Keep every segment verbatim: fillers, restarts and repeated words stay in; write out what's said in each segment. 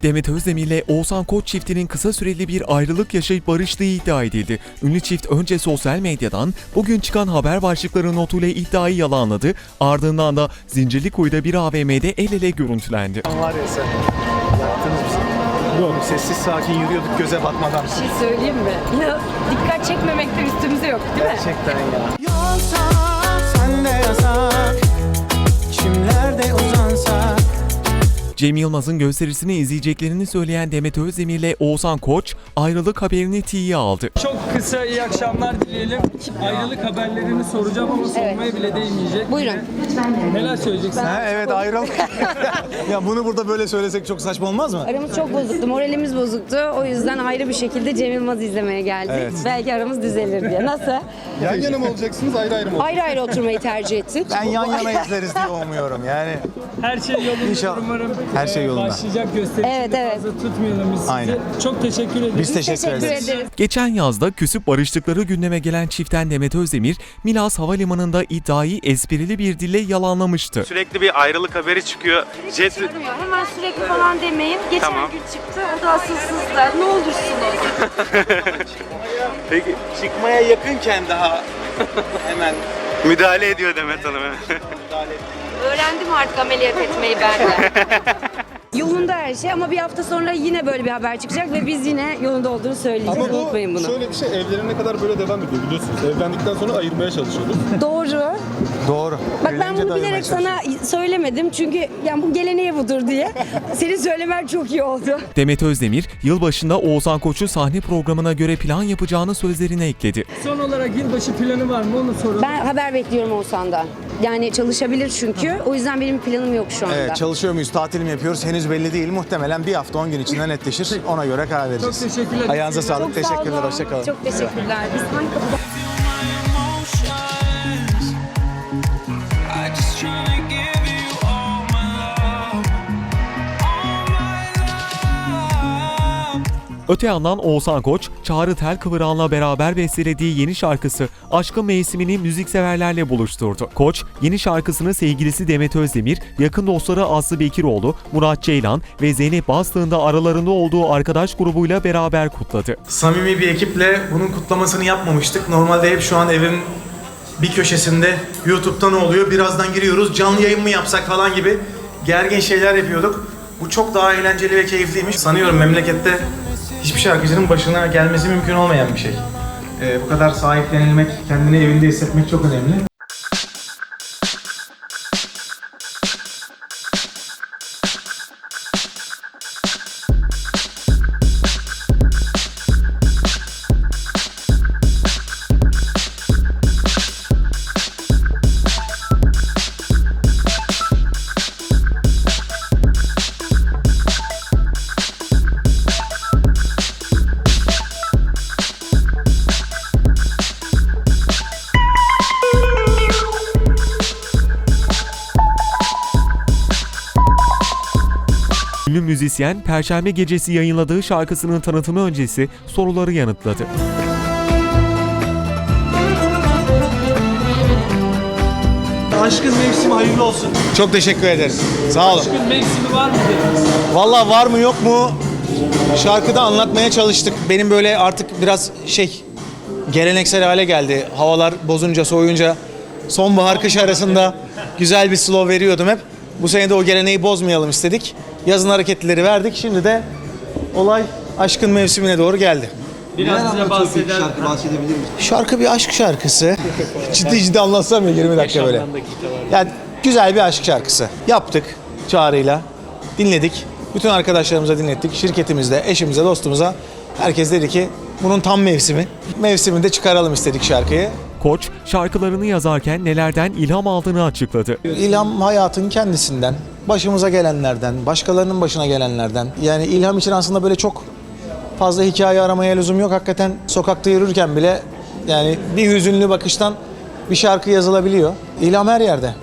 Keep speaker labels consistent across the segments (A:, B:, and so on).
A: Demet Özdemir ile Oğuzhan Koç çiftinin kısa süreli bir ayrılık yaşayıp barıştığı iddia edildi. Ünlü çift önce sosyal medyadan bugün çıkan haber başlıkları notuyla iddiayı yalanladı. Ardından da Zincirlikuyu'da bir A V M'de el ele görüntülendi.
B: Var ya sen, yaktınız bizi. Yok, sessiz sakin yürüyorduk göze batmadan.
C: Bir şey söyleyeyim mi? Ya dikkat çekmemekte üstümüze yok değil mi?
B: Gerçekten ya.
D: Yolsa sen de yasak, kimlerde uzansak.
A: Cem Yılmaz'ın gösterisini izleyeceklerini söyleyen Demet Özdemir ile Oğuzhan Koç ayrılık haberini tiye aldı.
E: Çok kısa iyi akşamlar dileyelim. Ayrılık haberlerini soracağım ama sormaya bile değmeyecek.
C: Buyurun.
E: Neler söyleyeceksin?
B: Ha, evet ayrıl. Ya bunu burada böyle söylesek çok saçma olmaz mı?
C: Aramız çok bozuktu, moralimiz bozuktu. O yüzden ayrı bir şekilde Cem Yılmaz'ı izlemeye geldik.
B: Evet.
C: Belki aramız düzelir diye. Nasıl?
F: Yan yana mı olacaksınız, ayrı ayrı mı
C: Ayrı ayrı oturmayı tercih ettik.
B: Ben yan yana izleriz diye umuyorum yani.
E: Her şey yolunda
B: İnşallah.
E: umarım.
B: Her şey
E: e,
B: yolunda.
E: Başlayacak gösterisi
C: Evet,
E: de
C: evet.
E: fazla tutmayalım biz sizi.
B: Aynen.
E: Çok teşekkür ederiz.
B: Biz teşekkür,
C: Teşekkür
B: ederiz.
C: ederiz.
A: Geçen yazda küsüp barıştıkları gündeme gelen çiftten Demet Özdemir, Milas Havalimanı'nda iddiayı esprili bir dille yalanlamıştı.
G: Sürekli bir ayrılık haberi çıkıyor. Jet
C: Çıkmıyor. Hemen sürekli falan demeyin. Geçen
G: Tamam.
C: gün çıktı. O da asılsızdı. Ne olursunuz.
G: Peki çıkmaya yakınken daha hemen müdahale ediyor Demet Hanım.
C: Öğrendim artık ameliyat etmeyi ben de. Yolunda her şey ama bir hafta sonra yine böyle bir haber çıkacak ve biz yine yolunda olduğunu söyleyeceğiz.
F: Ama bu
C: Unutmayın bunu.
F: şöyle bir şey, evlerine kadar böyle devam ediyor biliyorsunuz. Evlendikten sonra ayırmaya çalışıyoruz.
C: Doğru.
B: Doğru.
C: Bak ben
B: Evlenince
C: bunu
B: de ayırmaya
C: bilerek sana söylemedim çünkü yani bu geleneği budur diye. Senin söylemen çok iyi oldu.
A: Demet Özdemir, yılbaşında Oğuzhan Koç'u sahne programına göre plan yapacağını sözlerine ekledi.
E: Son olarak yılbaşı planı var mı onu soralım.
C: Ben haber bekliyorum Oğuzhan'dan. Yani çalışabilir çünkü. O yüzden benim planım yok şu anda.
B: Evet, çalışıyor muyuz, tatil mi yapıyoruz henüz belli değil. Muhtemelen bir hafta on gün içinde netleşir. Ona göre karar vereceğiz.
E: Çok teşekkürler.
B: Ayağınıza
C: Çok
B: sağlık.
C: sağ
B: Teşekkürler.
C: olun.
B: Hoşça kalın.
C: Çok teşekkürler. Biz hangi kapıda...
D: I just tryna give you all my love, all my love.
A: Öte yandan Oğuzhan Koç, Çağrı Telkıvıran'la beraber bestelediği yeni şarkısı Aşkın Mevsimi'ni müzikseverlerle buluşturdu. Koç, yeni şarkısını sevgilisi Demet Özdemir, yakın dostları Aslı Bekiroğlu, Murat Ceylan ve Zeynep Bastık'ın da aralarında olduğu arkadaş grubuyla beraber kutladı.
H: Samimi bir ekiple bunun kutlamasını yapmamıştık. Normalde hep şu an evin bir köşesinde YouTube'da ne oluyor, birazdan giriyoruz, canlı yayın mı yapsak falan gibi gergin şeyler yapıyorduk. Bu çok daha eğlenceli ve keyifliymiş. Sanıyorum memlekette hiçbir şarkıcının başına gelmesi mümkün olmayan bir şey. Ee, bu kadar sahiplenilmek, kendini evinde hissetmek çok önemli.
A: Ünlü müzisyen, Perşembe gecesi yayınladığı şarkısının tanıtımı öncesi soruları yanıtladı.
H: Aşkın mevsimi hayırlı olsun.
B: Çok teşekkür ederiz. Sağ olun.
E: Aşkın mevsimi var mı dediniz?
B: Vallahi var mı yok mu şarkıda anlatmaya çalıştık. Benim böyle artık biraz şey geleneksel hale geldi. Havalar bozunca, soğuyunca sonbahar kış arasında güzel bir slow veriyordum hep. Bu sene de o geleneği bozmayalım istedik. Yazın hareketleri verdik. Şimdi de olay aşkın mevsimine doğru geldi.
E: Biraz bize bahseder.
B: Şarkı bir aşk şarkısı. Ciddi ciddi anlatsam ya yirmi dakika böyle. Yani güzel bir aşk şarkısı. Yaptık Çağrı'yla. Dinledik. Bütün arkadaşlarımıza dinlettik. Şirketimizde, eşimize, dostumuza. Herkes dedi ki bunun tam mevsimi. Mevsiminde çıkaralım istedik şarkıyı.
A: Koç, şarkılarını yazarken nelerden ilham aldığını açıkladı.
B: İlham hayatın kendisinden, başımıza gelenlerden, başkalarının başına gelenlerden. Yani ilham için aslında böyle çok fazla hikaye aramaya lüzum yok. Hakikaten sokakta yürürken bile yani bir hüzünlü bakıştan bir şarkı yazılabiliyor. İlham her yerde.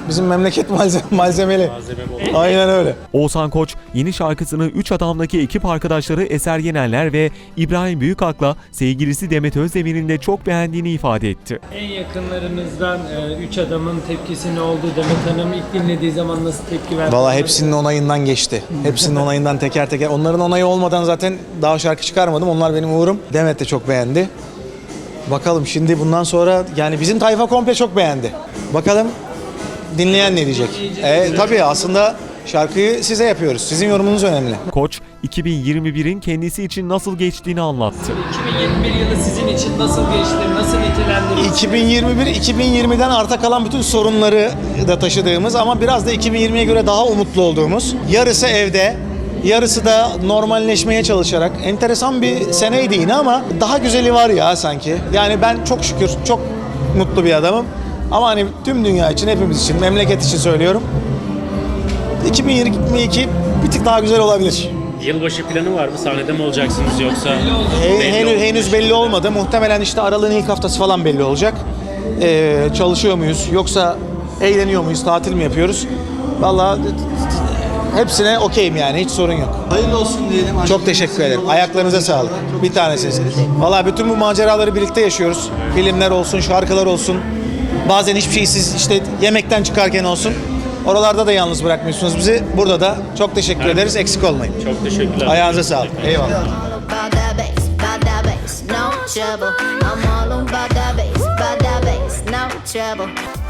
B: Bizim memleket malzeme, malzemeli. Aynen öyle.
A: Oğuzhan Koç yeni şarkısını Üç Adam'daki ekip arkadaşları Eser Yenenler ve İbrahim Büyükak'la sevgilisi Demet Özdemir'in de çok beğendiğini ifade etti.
E: En yakınlarımızdan e, üç adamın tepkisi ne oldu? Demet Hanım ilk dinlediği zaman nasıl tepki verdi?
B: Valla hepsinin onayından geçti. Hepsinin onayından teker teker. Onların onayı olmadan zaten daha şarkı çıkarmadım. Onlar benim uğurum. Demet de çok beğendi. Bakalım şimdi bundan sonra yani bizim tayfa komple çok beğendi. Bakalım dinleyen ne diyecek? E, tabii aslında şarkıyı size yapıyoruz. Sizin yorumunuz önemli.
A: Koç, iki bin yirmi birin kendisi için nasıl geçtiğini anlattı.
E: iki bin yirmi bir yılı sizin için nasıl geçti? Nasıl nitelendirirsiniz?
B: iki bin yirmi bir iki bin yirmiden arta kalan bütün sorunları da taşıdığımız ama biraz da iki bin yirmiye göre daha umutlu olduğumuz, yarısı evde, yarısı da normalleşmeye çalışarak enteresan bir seneydi yine ama daha güzeli var ya sanki. Yani ben çok şükür çok mutlu bir adamım. Ama hani tüm dünya için, hepimiz için, memleket için söylüyorum. iki bin yirmi iki bir tık daha güzel olabilir.
I: Yılbaşı planı var mı? Sahnede mi olacaksınız yoksa?
B: He- henüz, henüz belli olmadı. Muhtemelen işte Aralık'ın ilk haftası falan belli olacak. Ee, çalışıyor muyuz? Yoksa eğleniyor muyuz? Tatil mi yapıyoruz? Vallahi hepsine okeyim yani. Hiç sorun yok.
G: Hayırlı olsun diyelim.
B: Çok teşekkür ederim. Ayaklarınıza sağlık. Bir tanesiniz. Vallahi bütün bu maceraları birlikte yaşıyoruz. Filmler olsun, şarkılar olsun. Bazen hiçbir şey siz işte yemekten çıkarken olsun. Oralarda da yalnız bırakmıyorsunuz bizi. Burada da çok teşekkür ederiz. Eksik olmayın.
I: Çok teşekkürler.
B: Ayağınıza sağlık. Eyvallah.
J: About that bass, about that bass, no trouble. I'm all about that bass, about that bass, no trouble.